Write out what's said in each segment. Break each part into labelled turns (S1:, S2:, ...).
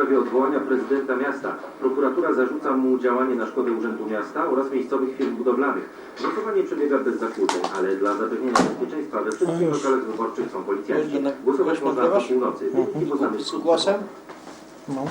S1: sprawie odwołania prezydenta miasta. Prokuratura zarzuca mu działanie na szkodę Urzędu Miasta oraz miejscowych firm budowlanych. Głosowanie przebiega bez zakłóceń, ale dla zapewnienia bezpieczeństwa we wszystkich lokalach wyborczych są policjanci. Głosować można do północy. Wyniki poznamy
S2: Z głosem? No.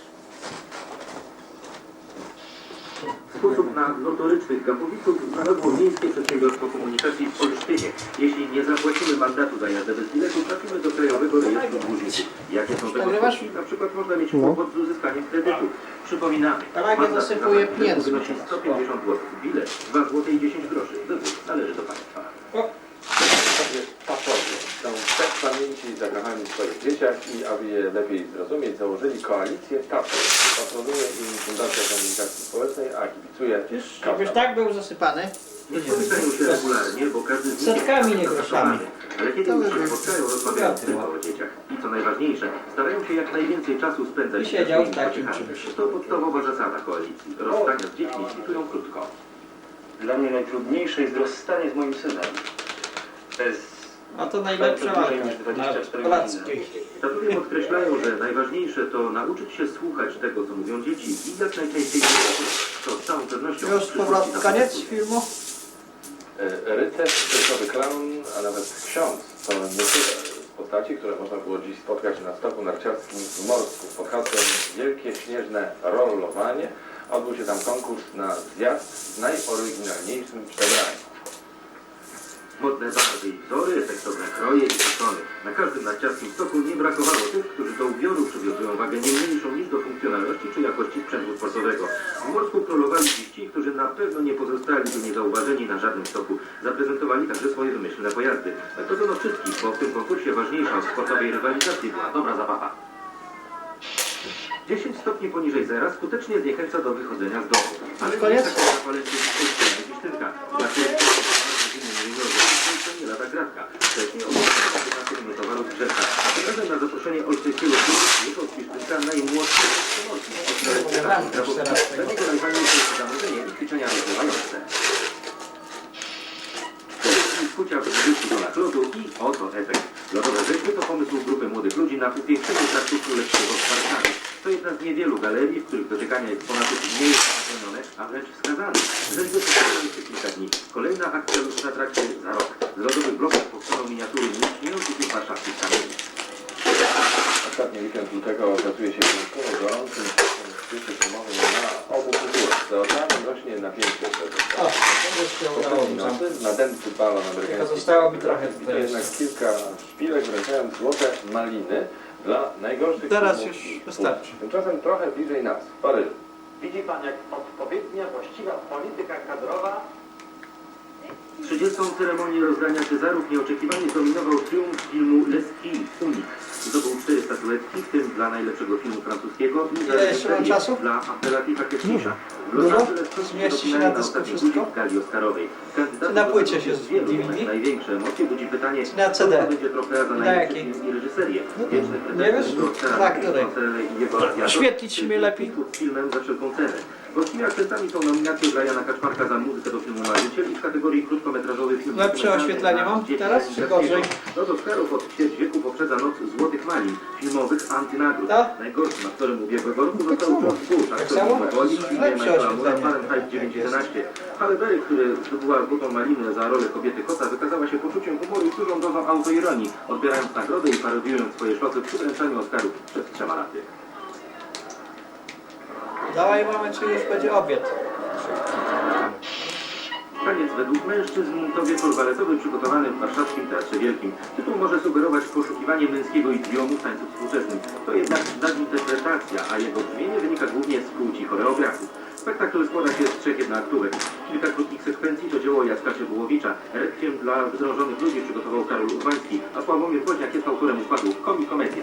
S1: Sposób na notorycznych gapowiców znalazło Miejskie Przedsiębiorstwo Komunikacji w Olsztynie. Jeśli nie zapłacimy mandatu za jazdę bez biletu, trafimy do Krajowego Rejestru Dłużników. Jakie są tego skutki? Na przykład można mieć kłopot z uzyskaniem kredytu. Przypominamy, mandat za brak wynosi 150 zł. Bilet 2 zł i 10 groszy. Wybór należy do państwa.
S3: Papowie są tak pamięci zakochani w swoich dzieciach i aby je lepiej zrozumieć, założyli koalicję TAPO. Patronuje im Fundacja Komunikacji Społecznej, a kibicuje
S2: Jakbyś tak był zasypany.
S1: Nie spotykają się regularnie, bo każdy z nich
S2: Setkami, nie
S1: jest
S2: groszami.
S1: ale kiedy już się spotkają, rozmawiają tylko o dzieciach. I co najważniejsze, starają się jak najwięcej czasu spędzać
S2: I siedział w
S1: swoimi
S2: takim
S1: pociechami.
S2: czymś.
S1: To podstawowa zasada koalicji. Rozstania z dziećmi kwitują krótko.
S4: Dla mnie najtrudniejsze jest rozstanie z moim synem. To jest
S2: A to najlepsza walka
S4: niż 24
S2: na Polackiej.
S1: Tatuwie podkreślają, że najważniejsze to nauczyć się słuchać tego, co mówią dzieci i jak najczęściej to z całą pewnością
S2: Już powrót, koniec filmu?
S3: Rycerz, cyrkowy klaun, a nawet ksiądz to niektóre z postaci, które można było dziś spotkać na stoku narciarskim w Morsku pod hasłem Wielkie Śnieżne Rollowanie. Odbył się tam konkurs na zjazd z najoryginalniejszym przebraniem.
S1: Modne barwy i wzory, efektowne kroje i fasony. Na każdym narciarskim stoku nie brakowało tych, którzy do ubioru przywiązują wagę nie mniejszą niż do funkcjonalności czy jakości sprzętu sportowego. W Morsku królowali dziś ci, którzy na pewno nie pozostaliby niezauważeni na żadnym stoku. Zaprezentowali także swoje wymyślne pojazdy. Zaproszono wszystkich, bo w tym konkursie ważniejsza od sportowej rywalizacji była dobra zabawa. 10 stopni poniżej zera skutecznie zniechęca do wychodzenia z domu. Ale
S2: Koniec?
S1: nie taka zapalenie Gisztynka. To nie lada gratka. Wcześniej obecnie towaru z Grzeszka. Tym razem na zaproszenie olsztyńskiego klubu przyjechał z Gisztynka najmłodszy pomorski. Dla niego najważniejsze jest zamówienie i ćwiczenia rozgrywające. Skucia w 20 tonach lodu i oto efekt. Lodowe rzeźby to pomysł grupy młodych ludzi na upiększenie traktu królewskiego w Warszawie. To jedna z niewielu galerii, w których dotykanie eksponatów nie jest zabronione, a wręcz wskazane. Rzeźby powstają jeszcze kilka dni. Kolejna akcja już na trakcie za rok. Z lodowych bloków powstaną miniatury nieistniejących już warszawskich kamieni.
S3: Ostatni weekend lutego okazuje się wyjątkowo gorącym świecie filmowym na obu kulturach. Za oceanem rośnie napięcie
S2: O, to się udało mi tam.
S3: nadęty balon
S2: Tylko
S3: amerykański.
S2: zostało mi trochę
S3: I to
S2: tutaj.
S3: jednak kilka szpilek wręczając złote maliny dla najgorszych
S2: Teraz
S3: filmów
S2: już
S3: świata.
S2: wystarczy.
S3: Tymczasem trochę bliżej nas, w Paryżu.
S5: Widzi Pan, jak odpowiednia, właściwa polityka kadrowa
S1: 30. ceremonię rozdania Cezarów nieoczekiwanie zdominował triumf filmu Leski Unik. Zdobył 4 statuetki, w tym dla najlepszego filmu francuskiego i za
S2: Ile jeszcze mam
S1: reżyserię
S2: czasu?
S1: dla Apelativa Kesmisza. W
S2: Dużo?
S1: Los Angeles wrócił do
S2: Zmieści się
S1: finału
S2: na dysku
S1: ostatniej
S2: wszystko?
S1: budzi w gali Oscarowej. Kandydatów
S2: Czy na
S1: do
S2: płycie
S1: nagrody
S2: się
S1: jest wielu,
S2: DVD?
S1: jednak największe emocje budzi pytanie,
S2: Czy na CD?
S1: kto będzie trofea za
S2: Na
S1: najlepszy
S2: jakiej?
S1: film i reżyserię. Wieczny
S2: Nie wiesz?
S1: pretendent do Oscara
S2: Na
S1: Kevin
S2: której?
S1: Costner i jego Azjator
S2: Oświetlić mnie lepiej?
S1: z filmem za wszelką cenę. Gośćmi akcentami są nominacje dla Jana Kaczmarka za muzykę do filmu Marzyciel i w kategorii krótkometrażowy film.
S2: Lepsze oświetlenie mam teraz, czy gorzej?
S1: Lot Oscarów od ćwierć wieku poprzedza Noc Złotych Malin, filmowych antynagród.
S2: Tak?
S1: Najgorszym aktorem ubiegłego roku został George Bush, aktor
S2: samo?
S1: Woli w filmie
S2: Lepsze
S1: Michaela Moore'a
S2: oświetlenie.
S1: Fahrenheit 911. Halle Berry, który zdobyła Złotą Malinę za rolę kobiety kota, wykazała się poczuciem humoru i dużą dozą autoironii, odbierając nagrodę i parodiując swoje szlosy przy wręczaniu Oscarów przed 3 laty.
S2: Dawaj mamy, czy już będzie obiad.
S1: Taniec według mężczyzn to wieczór baletowy przygotowany w warszawskim Teatrze Wielkim. Tytuł może sugerować poszukiwanie męskiego idiomu w tańcu współczesnym. To jednak nadinterpretacja, a jego brzmienie wynika głównie z płci choreografów. Spektakl składa się z 3 jednoaktówek. Kilka krótkich sekwencji to dzieło Jacka Czebułowicza. Rekwiem dla wzrążonych ludzi przygotował Karol Urbański, a Sławomir Woźniak jest autorem układu Komikomedia.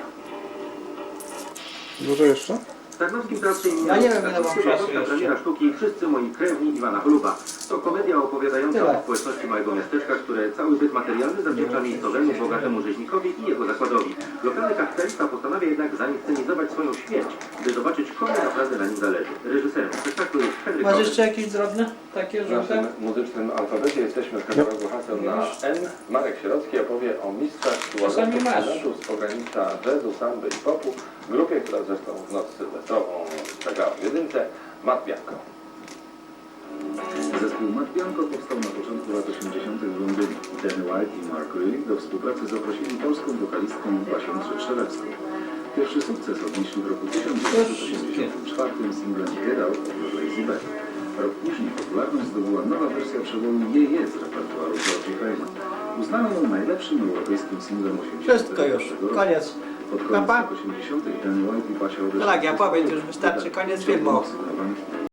S6: Dużo jeszcze?
S1: W Tarnowskim Teatrze imienia
S2: Ja nie wiem, ile mam czasu jeszcze.
S1: premiera sztuki Wszyscy moi krewni Iwana Choluba. To komedia opowiadająca
S2: Tyle.
S1: o społeczności małego miasteczka, które cały byt materialny zawdzięcza miejscowemu, bogatemu rzeźnikowi i jego zakładowi. Lokalny kapitalista postanawia jednak zainscenizować swoją śmierć, by zobaczyć, komu naprawdę naprawdę na nim zależy. Reżyserem spektaklu jest Henryk
S2: Masz
S1: Rollins.
S2: jeszcze jakieś drobne takie
S3: W
S2: żółte?
S3: naszym muzycznym alfabecie jesteśmy w katalogu haseł na N. Marek Sierocki opowie o mistrzach
S2: Czasami
S3: tułowego
S2: masz.
S3: sprzętu z pogranicza jazzu, samby i popu, grupie, która zresztą w noc sylwestrową zagrała w jedynce, Matt Bianco.
S6: Zespół Matt Bianco powstał na początku lat 80. w Londynie. Danny White i Mark Lee do współpracy zaprosili polską wokalistkę Basię Trzewszelewską. Pierwszy sukces odnieśli w roku 1984 singlem Get Out of Lazy Bed. Rok później popularność zdobyła nowa wersja przeboju Je z repertuaru George'a Crane'a. Uznano ją najlepszym europejskim singlem 80.
S2: Wszystko już,
S6: roku.
S2: koniec.
S6: Pod koniec
S2: Papa?
S6: lat 80. Danny White i Basia odeszli
S2: Tak, ja
S6: z
S2: powiem,
S6: zespołu.
S2: już wystarczy, koniec
S6: Ciągnął
S2: filmu.
S6: sygnowany